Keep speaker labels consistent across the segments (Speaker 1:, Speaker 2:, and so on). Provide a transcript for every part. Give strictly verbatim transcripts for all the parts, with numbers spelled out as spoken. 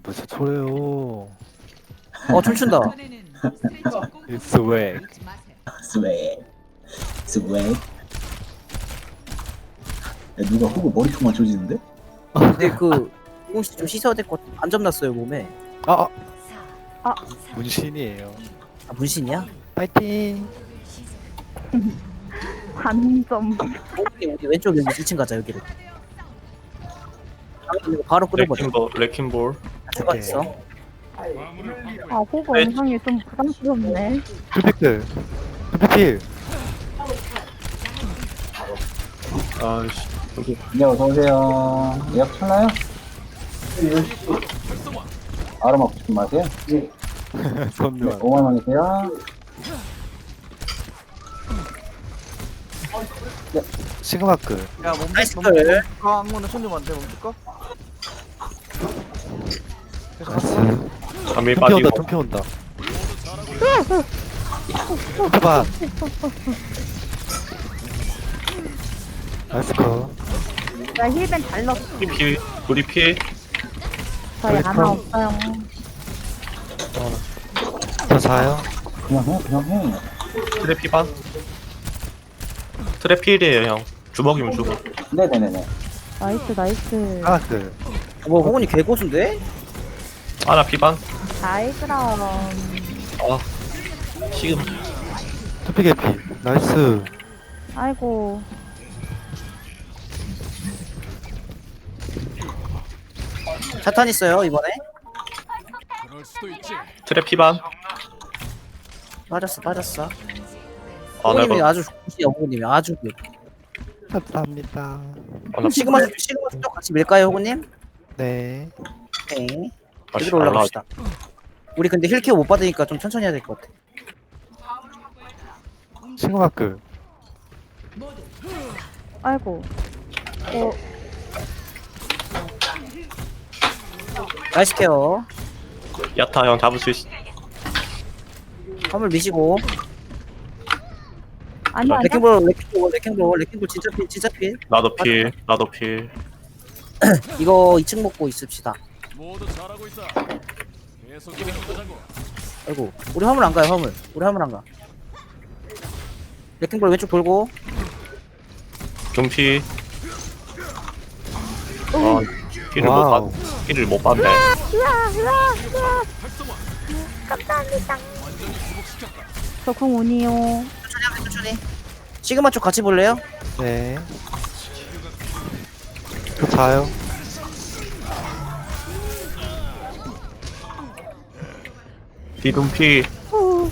Speaker 1: 무슨 소리예요?
Speaker 2: 어 춤춘다.
Speaker 1: It's way.
Speaker 3: 스웨 스웨. 야, 누가 호구 머리통만 조지는데?
Speaker 2: 근데 그 조금씩 좀 씻어야 될 것 같아. 안 점났어요 몸에.
Speaker 1: 아, 아.
Speaker 4: 아.
Speaker 1: 문신이에요.
Speaker 2: 아 문신이야?
Speaker 1: 파이팅.
Speaker 4: 반점.
Speaker 2: 우리 우리 왼쪽 여기 일 층 가자 여기로. 이거 바로 끌어버려.
Speaker 5: 레킹볼 레킹볼
Speaker 2: 들어가 있어.
Speaker 4: 아, 호구 영상이 좀 부담스럽네.
Speaker 1: 힐팩들. 힐팩필.
Speaker 5: 아이씨 여기
Speaker 3: 네, 어서오세요. 예약 쳤나요? 아로 먹고 싶은 맛이에요? 네,
Speaker 1: 선묘한.
Speaker 3: 오만 원이세요?
Speaker 1: 시그마크.
Speaker 6: 야 멈출
Speaker 2: 나이스
Speaker 6: 멈출
Speaker 2: 걸.
Speaker 6: 멈출까? 한번에 손 좀 안돼 멈출까?
Speaker 1: 나이스.
Speaker 5: 잠이
Speaker 1: tum피
Speaker 5: 빠지고
Speaker 1: 온다, tum피 온다. tum피봐. 나이스 컷.
Speaker 4: 나 힐벤 잘 넣었어.
Speaker 5: 우리 피 우리 피
Speaker 4: 저희
Speaker 1: 나이스
Speaker 4: 하나
Speaker 1: 컷.
Speaker 4: 없어요.
Speaker 1: 저 자요.
Speaker 3: 그냥 해, 그냥 해.
Speaker 5: 트랩 피반 트랩 필이에요 형 주먹이면 주먹
Speaker 3: 네네네네.
Speaker 4: 나이스, 나이스.
Speaker 1: 하나크.
Speaker 2: 뭐 호건이 개고수인데?
Speaker 5: 아나 피반
Speaker 4: 나이 그럼.
Speaker 5: 아 지금
Speaker 1: tum피 개피. 나이스.
Speaker 4: 아이고.
Speaker 2: 자탄 있어요 이번에.
Speaker 5: 트랩 피반
Speaker 2: 빠졌어 빠졌어.
Speaker 5: 아
Speaker 2: 호건님이
Speaker 5: 내가
Speaker 2: 아주 좋으시요 호건님이 아주 그.
Speaker 1: 감사합니다.
Speaker 5: 아, 나
Speaker 2: 시그마 시그마 쪽 같이 밀까요 호건님?
Speaker 1: 네.
Speaker 2: 네.
Speaker 5: 다시
Speaker 2: 여기로 올라갑시다. 우리 근데 힐 케어 못 받으니까 좀 천천히 해야 될 것 같아.
Speaker 1: 시그마크.
Speaker 4: 아이고. 어,
Speaker 2: 나이스 케어.
Speaker 5: 야타 형 잡을 수 있어
Speaker 2: 화물 미시고.
Speaker 4: 아니, 아니.
Speaker 2: 레킹볼 레킹볼 레킹볼 레킹볼 진짜 필 진짜 필.
Speaker 5: 나도 필 나도 필
Speaker 2: 이거 이 층 먹고 있읍시다.
Speaker 7: 모두 잘하고 있다. 계속 해보자고.
Speaker 2: 아이고 우리 화물 안 가요 화물. 우리 화물 안 가. 레킹볼 왼쪽 돌고.
Speaker 5: 금피 아 피를 못
Speaker 1: 와우.
Speaker 5: 받, 피를 못 받네.
Speaker 4: 으아, 으아, 으아. 감사합니다. 저궁 오니요.
Speaker 2: 천천히 하면 천천히. 시그마 쪽 같이 볼래요?
Speaker 1: 네. 저 자요.
Speaker 5: 비금피
Speaker 4: 후.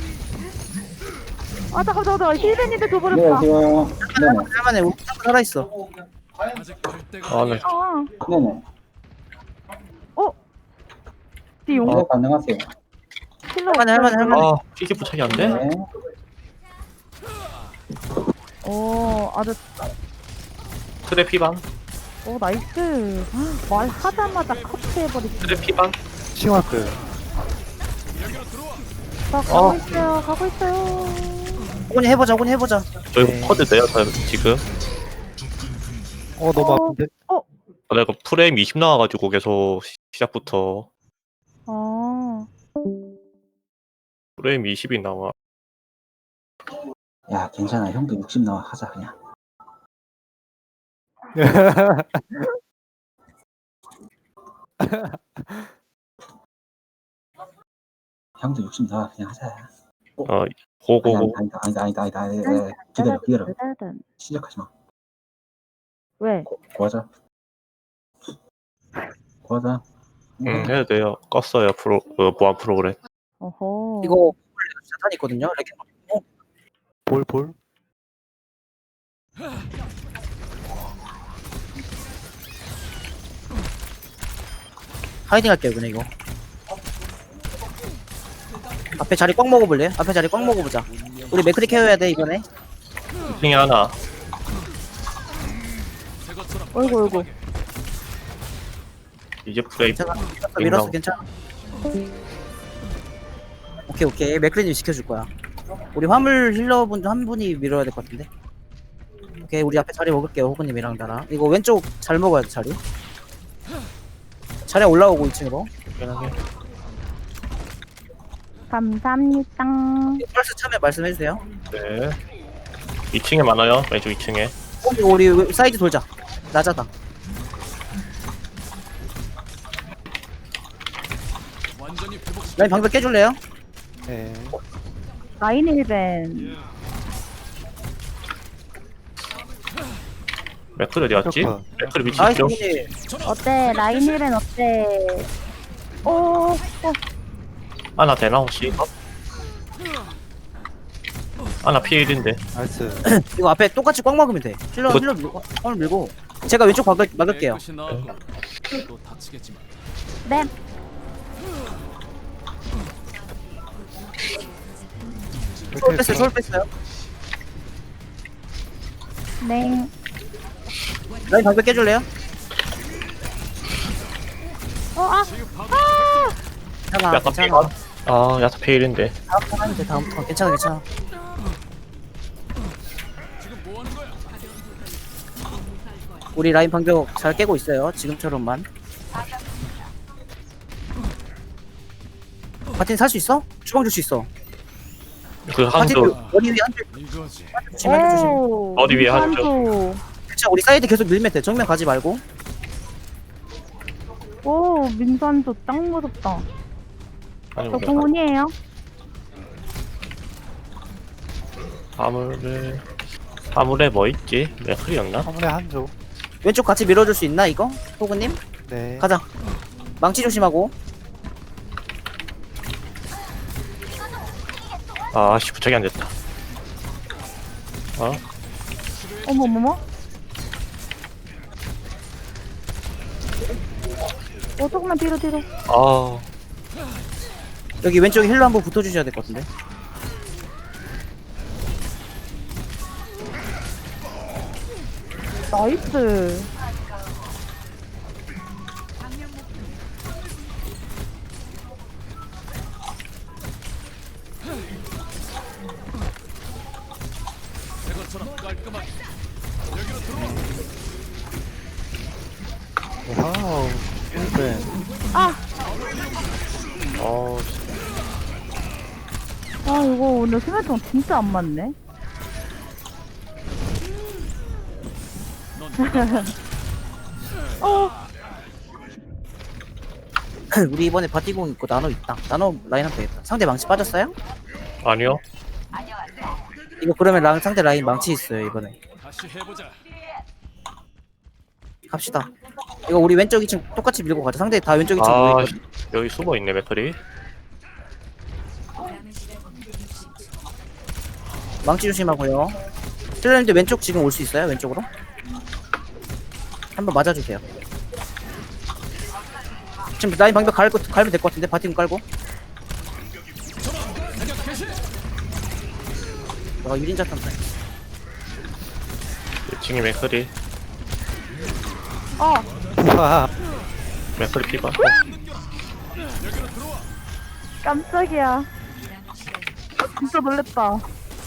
Speaker 4: 아, 잠깐, 잠깐, 잠깐. 힐벤인데
Speaker 3: 네,
Speaker 4: 줘버렸다.
Speaker 3: 안녕하세요. 네네.
Speaker 2: 할만해 우리 한번 살아있어.
Speaker 7: 아직 갈 때가
Speaker 5: 아네
Speaker 4: 아,
Speaker 3: 네네.
Speaker 4: 어? 띠용.
Speaker 3: 네, 가능하세요.
Speaker 4: 힐러
Speaker 2: 할만해 할만해 할만해.
Speaker 5: 아 피기 부착이 안 돼?
Speaker 3: 네.
Speaker 4: 오, 아주,
Speaker 5: 트랩 피반
Speaker 4: 오, 나이스. 말하자마자 커트해버리지.
Speaker 5: 트랩 피반
Speaker 1: 시그마크.
Speaker 4: 나 가고
Speaker 5: 어.
Speaker 4: 있어요, 가고 있어요.
Speaker 2: 호건이 해보자 호건이 해보자.
Speaker 5: 저희
Speaker 1: 네.
Speaker 5: 커드 돼요 저 지금
Speaker 1: 어, 너무
Speaker 4: 어.
Speaker 1: 아픈데?
Speaker 5: 아, 내가 프레임 이십 나와가지고 계속 시- 시작부터
Speaker 4: 아,
Speaker 5: 프레임 이십이 나와.
Speaker 3: 야, 괜찮아. 형도 육십 나와 하자, 그냥. 형도 육십 나와 그냥 하자.
Speaker 5: 어
Speaker 3: 아니,
Speaker 5: 고고고
Speaker 3: 아니다, 아니다, 아니다, 아니다, 아니다, 아니다. 기다려, 기다려.
Speaker 4: 일단
Speaker 3: 시작하지 마.
Speaker 4: 왜?
Speaker 3: 고, 고하자. 고하자.
Speaker 5: 응 해도 돼요. 껐어요 프로 어, 보안 프로그램.
Speaker 4: 어허.
Speaker 2: 이거 자탄 있거든요. 레킹볼.
Speaker 1: 볼, 볼.
Speaker 2: 하이딩 할게요 그냥 이거. 앞에 자리 꽉 먹어볼래? 앞에 자리 꽉 먹어보자. 우리 맥크리 케어해야 돼 이번에.
Speaker 5: 이 중에 하나
Speaker 4: 어이구, 어이구.
Speaker 5: 이제 프레임
Speaker 2: 괜찮아. 밀었어 괜찮아. 오케이 오케이 맥크리님 지켜줄 거야. 우리 화물 힐러분 한 분이 밀어야 될 것 같은데. 오케이 우리 앞에 자리 먹을게요 호그님이랑 나랑. 이거 왼쪽 잘 먹어야 돼 자리. 자리에 올라오고 이 층으로.
Speaker 5: 편하게.
Speaker 4: 감사합니다.
Speaker 2: 펄스 참여 말씀해주세요.
Speaker 5: 네. 이 층에 많아요. 왼쪽 이 층에.
Speaker 2: 어, 우리 사이드 돌자. 낮아다.
Speaker 7: 완전히 회복시켜.
Speaker 2: 라인 방벽 깨줄래요?
Speaker 1: 네.
Speaker 4: 라인 힐벤.
Speaker 5: 맥클 어디 갔지?
Speaker 1: 컷.
Speaker 5: 맥클 위치
Speaker 2: 나이스
Speaker 5: 있죠?
Speaker 2: 분이.
Speaker 4: 어때? 라인 힐벤 어때? 오, 오.
Speaker 5: 하나 되나 혹시? 하나 피일인데.
Speaker 1: 나이스.
Speaker 2: 이거 앞에 똑같이 꽉 막으면 돼. 힐러
Speaker 5: 뭐-
Speaker 2: 힐러 밀고 꽉 밀고. 제가 왼쪽 막을, 막을게요.
Speaker 7: 깨끗이 나왔고. 또 다치겠지만.
Speaker 4: 네.
Speaker 2: 솔 뺐어요. 솔 뺐어요.
Speaker 4: 네.
Speaker 2: 라인 방벽 깨줄래요?
Speaker 4: 어, 아.
Speaker 2: 괜찮아.
Speaker 5: 야타
Speaker 2: 괜찮아.
Speaker 5: 피일. 아 야타 피일인데.
Speaker 2: 다음 턴 하면 돼. 다음 턴. 괜찮아. 괜찮아.
Speaker 7: 지금 뭐 하는 거야?
Speaker 2: 우리 라인 방벽 잘 깨고 있어요. 지금처럼만. 바틴 살 수 있어? 주방 줄 수 있어.
Speaker 5: 그
Speaker 2: 바틴
Speaker 5: 한조
Speaker 2: 머리 위에 한줄
Speaker 7: 이거지.
Speaker 2: 조심. 한줄 조심.
Speaker 4: 오.
Speaker 5: 어디 위에 하죠?
Speaker 4: 민산소.
Speaker 2: 괜찮아. 우리 사이드 계속 밀면 돼. 정면 가지 말고.
Speaker 4: 오, 민산소 짱 무섭다.
Speaker 5: 아니
Speaker 4: 저
Speaker 5: 우리
Speaker 4: 공원이에요.
Speaker 5: 화물에 화물에 뭐 있지? 맥클이었나?
Speaker 1: 화물에 한 조.
Speaker 2: 왼쪽 같이 밀어줄 수 있나 이거? 호그님?
Speaker 1: 네.
Speaker 2: 가자. 망치 조심하고.
Speaker 5: 아씨 부착이 안 됐다. 어?
Speaker 4: 어머머머. 어, 조금만 뒤로 뒤로.
Speaker 5: 아
Speaker 2: 여기 왼쪽에 힐러 한번 붙어주셔야 될 것 같은데.
Speaker 4: 나이스.
Speaker 7: 새것처럼 깔끔하게.
Speaker 1: 와우. 힐벤.
Speaker 4: 아,
Speaker 5: 어,
Speaker 4: 아 이거 오늘 수면총 진짜 안 맞네. 어,
Speaker 2: 우리 이번에 바티공 있고 나노 있다. 나노 라인업 되겠다. 상대 망치 빠졌어요?
Speaker 5: 아니요.
Speaker 2: 이거 그러면 랑, 상대 라인 망치 있어요 이번에.
Speaker 7: 다시 해보자.
Speaker 2: 갑시다. 이거 우리 왼쪽 이 층 똑같이 밀고 가자. 상대 다 왼쪽 이 층
Speaker 5: 아
Speaker 2: 모여있거든.
Speaker 5: 여기 숨어 있네 맥클이.
Speaker 2: 망치 조심하고요. 힐러님들 왼쪽 지금 올 수 있어요? 왼쪽으로? 한번 맞아주세요. 지금 라인 방벽 갈고, 갈면 될 것 같은데? 바티공 깔고. 와 일 인자 탐사.
Speaker 5: 이 층에 맥클이.
Speaker 4: 어,
Speaker 1: 와.
Speaker 5: 맥클이 피가. 어,
Speaker 4: 깜짝이야. 진짜 놀랬다.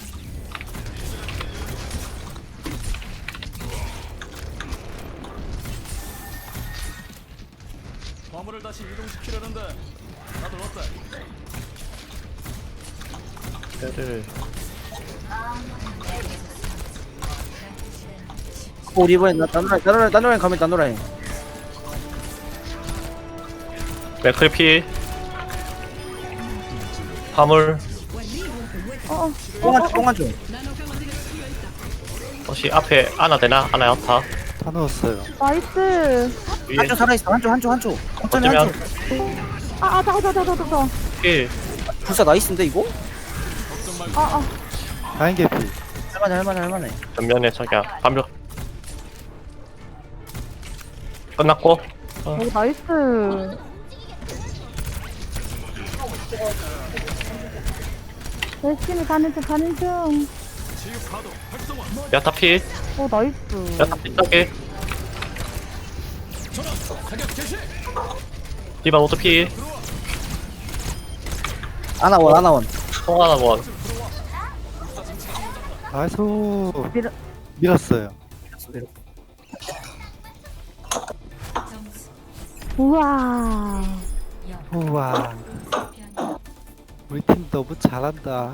Speaker 7: 화물을 다시 이동시키려는데. 다들 어때?
Speaker 5: 를
Speaker 2: 어, 우리 이번엔 나- 나노라인, 나노라인, 나노라인 가면 나노라인.
Speaker 5: 맥클이 피. 화물.
Speaker 4: 어,
Speaker 2: 뽕한 줘, 뽕한 줘.
Speaker 5: 혹시 앞에 하나 되나? 하나 야타.
Speaker 1: 다 넣었어요.
Speaker 4: 나이스.
Speaker 5: 위에
Speaker 2: 한쪽 살아있어. 한쪽, 한쪽, 한쪽. 어쩌면
Speaker 5: 어쩌면
Speaker 2: 한쪽.
Speaker 4: 아, 아, 잠깐, 잠깐, 잠깐, 잠깐.
Speaker 5: 피.
Speaker 2: 불사 나이스인데 이거?
Speaker 4: 아, 아,
Speaker 1: 라인 개피.
Speaker 2: 할만해, 할만해, 할만해.
Speaker 5: 전면에 저기야 반벽. 끝났고.
Speaker 4: 오, 나이스. 열심히 가는 중, 가는 중.
Speaker 7: 치유 파도 활성화.
Speaker 5: 야타 피.
Speaker 4: 오, 나이스.
Speaker 5: 야타 피 따게.
Speaker 7: 사격 개시.
Speaker 5: 디바 오토 피.
Speaker 2: 아나원, 아나원.
Speaker 5: 통하나 원.
Speaker 1: 나이스.
Speaker 4: 밀어.
Speaker 1: 밀었어요.
Speaker 4: 우와.
Speaker 1: 우와. 우리 팀 너무 잘한다.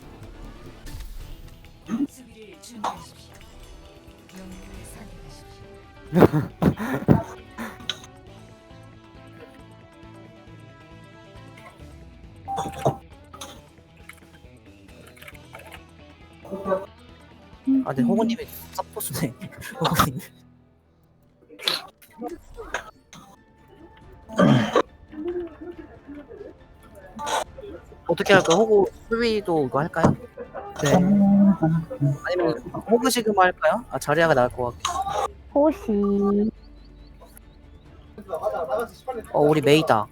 Speaker 2: 아, 근데 호구님이 서포스네. 호구님. 어떻게 할까? 호구 수비도 이거 할까요?
Speaker 1: 네.
Speaker 2: 아니면 호구 시그마 할까요? 아, 자리아가 나을 것 같아.
Speaker 4: 호시.
Speaker 2: 어, 우리 메이다.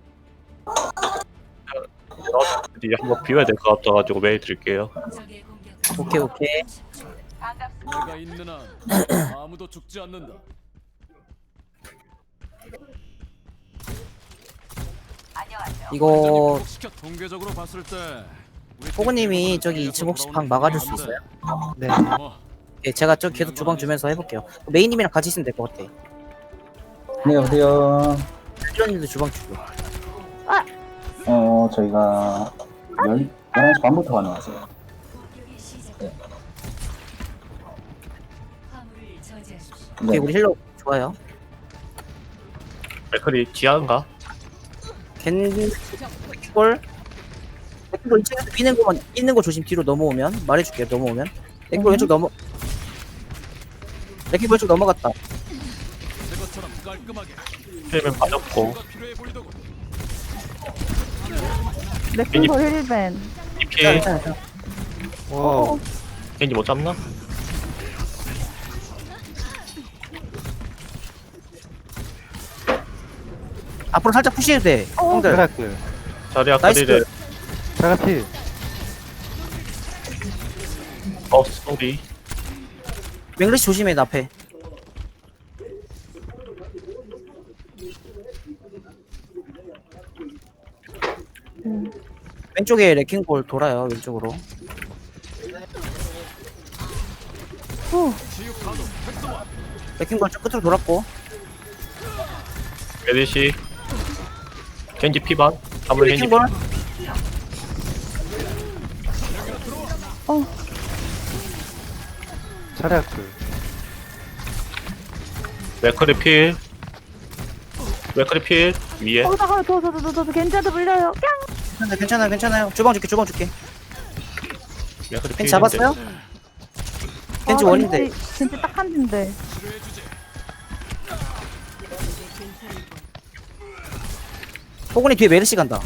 Speaker 5: 이제 한번 비워야 될 것 같아가지고 메일 드릴게요.
Speaker 2: 오케이, 오케이.
Speaker 7: 내가 있는 한 아무도 죽지 않는다.
Speaker 2: 이거
Speaker 7: 시켜 통계적으로 봤을 때 우리
Speaker 2: 호구님이
Speaker 7: 팀
Speaker 2: 저기
Speaker 7: 계속
Speaker 2: 이층 혹시 방
Speaker 7: 돌아오는
Speaker 2: 막아줄 수
Speaker 7: 게
Speaker 2: 있어요?
Speaker 1: 네.
Speaker 7: 뭐,
Speaker 2: 예, 제가 저 계속 주방 주면서 해볼게요. 메이님이랑 같이 있으면 될 것 같아.
Speaker 3: 네, 여보세요.
Speaker 2: 필런님도 주방 주고.
Speaker 3: 어, 저희가 열, 열한 시 반부터 가능하세요.
Speaker 2: 오케이,
Speaker 3: 네.
Speaker 2: 우리 힐러 좋아요.
Speaker 5: 맥클이 지하인가?
Speaker 2: 겐골 겐골 이층에서 미는 거만 있는 거 조심. 뒤로 넘어오면 말해줄게요. 넘어오면 겐골 왼쪽 넘어. 겐골 왼쪽 넘어갔다.
Speaker 7: 내 것처럼 깔끔하게
Speaker 5: 힐맨 빠졌고
Speaker 7: 뭐가 필요해 보이더군.
Speaker 4: 레킹볼 힐벤.
Speaker 5: 이피
Speaker 2: 괜찮아, 괜찮아.
Speaker 1: 와.
Speaker 5: 겐지 못 잡나?
Speaker 2: 앞으로 살짝 푸시해도 돼. 형들.
Speaker 1: 드라클.
Speaker 5: 자리야
Speaker 2: 나이스.
Speaker 5: 카리를
Speaker 1: 자가피.
Speaker 5: 어 쏘리.
Speaker 2: 맹글리시 조심해. 나 앞에.
Speaker 4: 음.
Speaker 2: 왼쪽에 레킹볼 돌아요. 왼쪽으로.
Speaker 4: 후.
Speaker 2: 레킹볼 좀 끝으로 돌았고.
Speaker 5: 메디시 겐지 피반 다물 겐지
Speaker 2: 레킹볼.
Speaker 4: 어.
Speaker 1: 자라클.
Speaker 5: 맥클이 필 맥클이 필 위에
Speaker 4: 어, 잠깐만, 더, 더, 더, 더, 더, 괜찮아, 불려요. 깡!
Speaker 2: 괜찮아, 괜찮아요, 괜찮아요. 주방 줄게, 주방 줄게.
Speaker 5: 맥클이 필
Speaker 2: 겐지 잡았어요? 겐지 원인데.
Speaker 4: 아, 겐지, 겐지 딱 한 대인데.
Speaker 2: 호군이 뒤에 메르시 간다.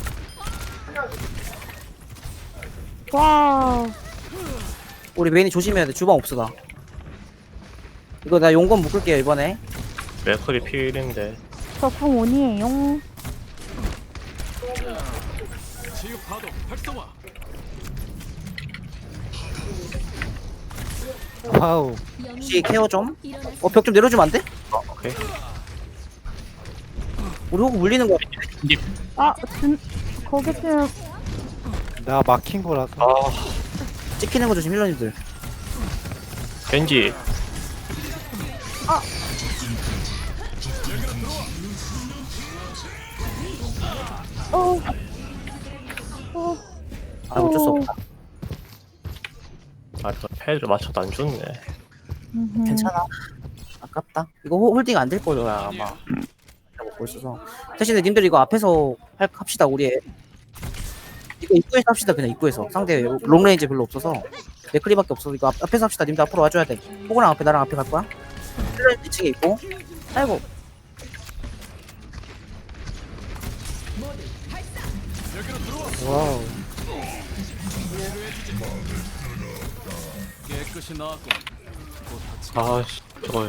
Speaker 4: 와.
Speaker 2: 우리 메인이 조심해야 돼. 주방 없어 나. 이거 나 용건 묶을게요 이번에.
Speaker 5: 맥클이 필인데
Speaker 4: 저궁 온이에요.
Speaker 7: 치유 파도 활성화.
Speaker 1: 와우.
Speaker 2: 혹시 케어 좀? 어 벽 좀 내려주면 안 돼?
Speaker 5: 어 오케이
Speaker 2: 우리 호구 물리는 거.
Speaker 5: 겐지
Speaker 4: 아, 진, 거기 지금,
Speaker 1: 나 막힌 거라서.
Speaker 5: 아
Speaker 2: 찍히는 거 조심 힐러님들.
Speaker 5: 겐지
Speaker 4: 어. 어.
Speaker 2: 아 어쩔 수 없다.
Speaker 5: 아또 패를 맞춰도 안 죽네.
Speaker 4: 음흠.
Speaker 2: 괜찮아. 아깝다. 이거 호- 홀딩 안 될 거야 아마. 내가 먹고 있어서. 대신에 님들 이거 앞에서 할, 합시다 우리. 애. 이거 입구에서 합시다 그냥 입구에서. 상대 롱레인지 별로 없어서. 맥크리밖에 없어서 이거 앞, 앞에서 합시다. 님들 앞으로 와줘야 돼. 호구랑 앞에 나랑 앞에 갈 거야. 힐러 이 층에 있고. 아이고.
Speaker 1: 와우.
Speaker 7: 깨끗이 나왔고.
Speaker 5: 아씨 저거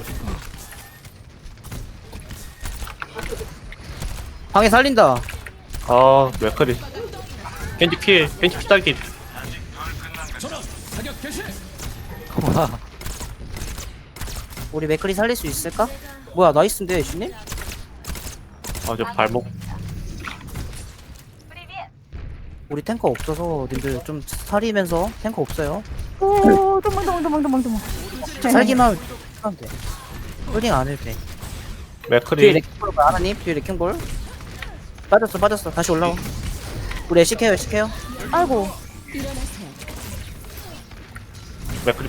Speaker 2: 방에 살린다.
Speaker 5: 아 맥클이 겐지 필 겐지 피딱이
Speaker 7: 사격 개시.
Speaker 1: 와.
Speaker 2: 우리 맥크리 살릴 수 있을까? 뭐야 나이스인데 애쉬님?
Speaker 5: 아저 발목
Speaker 2: 우리 탱커 없어서 님들 좀 살리면서 탱커 없어요.
Speaker 4: 오, 도망, 도망, 도망, 도망, 도망.
Speaker 2: 살기만 하면 돼. 홀딩 안 해도 돼. 뒤에
Speaker 5: 맥크리
Speaker 2: 레킹볼 하나님 뒤에 레킹볼 빠졌어 빠졌어 다시 올라와. 우리 애쉬 케어 애쉬 케어.
Speaker 4: 아이고.
Speaker 5: 맥크리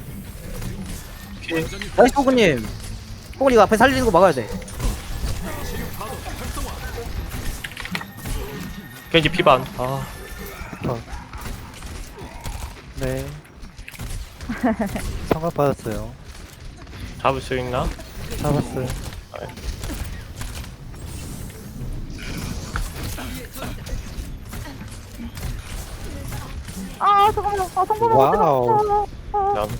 Speaker 5: 피해.
Speaker 2: 나이스 포근님. 포근 이거 앞에 살리는 거 막아야 돼.
Speaker 5: 겐지 피반. 아
Speaker 1: 네. 성각 받았어요.
Speaker 5: 잡을 수 있나?
Speaker 1: 잡았어요.
Speaker 4: 아, 잠깐만. 아, 성공
Speaker 1: 와우.
Speaker 4: 못했어. 아,
Speaker 5: 난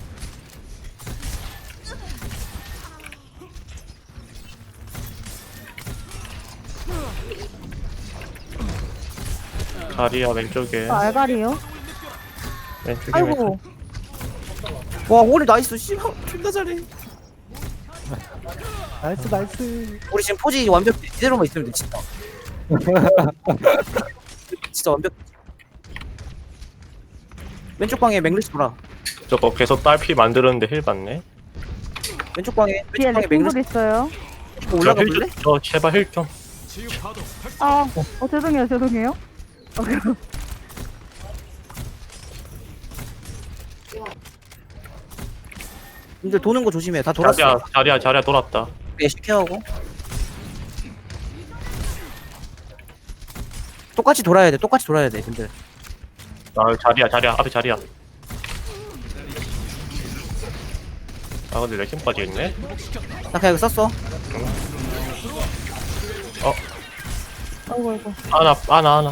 Speaker 5: 자리야 왼쪽에
Speaker 4: 아, 알갈이요?
Speaker 5: 왼쪽에 왼쪽.
Speaker 4: 아이고.
Speaker 2: 와 오리 나이스 씨발 존나 잘해.
Speaker 1: 나이스 나이스.
Speaker 2: 우리 지금 포지 완벽해. 이대로만 있으면 돼 진짜. 진짜 완벽. 왼쪽 방에 맥리스 돌아.
Speaker 5: 저거 계속 딸피 만드는데 힐 받네.
Speaker 2: 왼쪽 방에
Speaker 4: 뒤에
Speaker 2: 왼쪽 방에 맥리스
Speaker 4: 레킹볼 있어요.
Speaker 2: 올라가
Speaker 5: 힐
Speaker 2: 볼래?
Speaker 5: 좀- 저 제발 힐 좀.
Speaker 7: 치유 파도
Speaker 4: 아, 어, 죄송해요, 죄송해요. 어, 그리고
Speaker 2: 님들 도는 거 조심해. 다 돌았어.
Speaker 5: 자리야 자리야 자리야 돌았다.
Speaker 2: 애쉬 케어하고. 똑같이 돌아야 돼. 똑같이 돌아야 돼. 님들.
Speaker 5: 아 자리야 자리야 앞에 자리야. 아 근데 레킹까지 있네.
Speaker 2: 나 그냥 이거 썼어.
Speaker 4: 아이고, 아이고.
Speaker 5: 하나 하나 하나.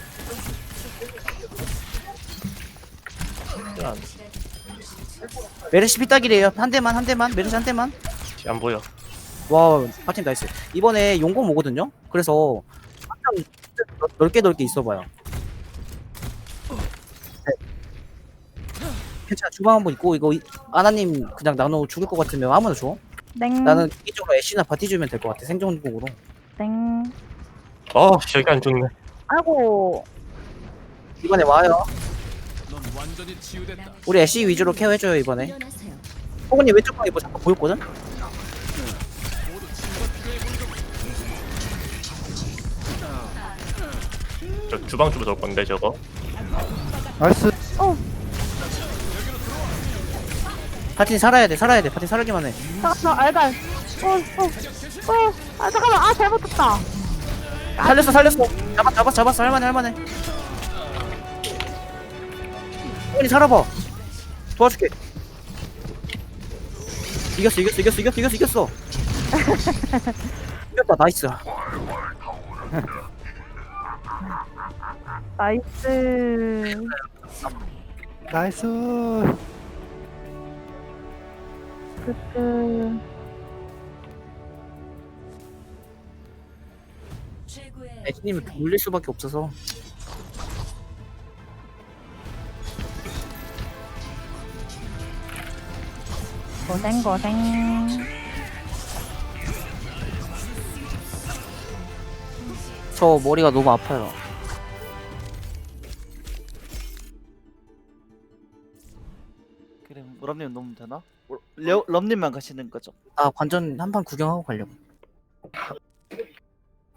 Speaker 2: 메르시 피따기래요. 한 대만 한 대만. 메르시 한 대만.
Speaker 5: 안 보여.
Speaker 2: 와, 파팀 나이스. 이번에 용검 오거든요. 그래서 한참 넓게 넓게 있어봐요. 네. 괜찮아. 주방 한번 있고 이거 이- 아나님 그냥 나눠 죽을 것 같으면 아무나 줘.
Speaker 4: 땡.
Speaker 2: 나는 이쪽으로 애쉬나 바티 주면 될 것 같아. 생존국으로.
Speaker 4: 땡.
Speaker 5: 어 저기 안 죽네.
Speaker 4: 아이고.
Speaker 2: 이번에 와요.
Speaker 7: 넌 완전히 치유됐다.
Speaker 2: 우리 애쉬 위주로 케어해줘요 이번에. 호근님 왼쪽 방에 뭐 잠깐 보였거든?
Speaker 5: 저 주방 주고 올 건데 저거.
Speaker 1: 나이스.
Speaker 2: 파티 살아야 돼. 살아야 돼. 파티 살기만 해.
Speaker 4: 잠깐만, 알갈. 어, 어, 어. 아, 잠깐만. 아, 잘못했다.
Speaker 2: 살렸어 살렸어. 잡았 잡았 잡았어. 할만해 할만해. 호근이 살아봐. 도와줄게. 이겼어 이겼어 이겼어 이겼어 이겼어 이겼어. 이겼다 나이스.
Speaker 4: 나이스.
Speaker 1: 나이스.
Speaker 4: 끄끄.
Speaker 2: 애쉬님은 물릴 수밖에 없어서.
Speaker 4: 고생, 고생.
Speaker 2: 저 머리가 너무 아파요.
Speaker 6: 그래 럼님 놓으면 되나? 어, 레오, 럼님만 가시는 거죠?
Speaker 2: 아 관전 한판 구경하고 가려고.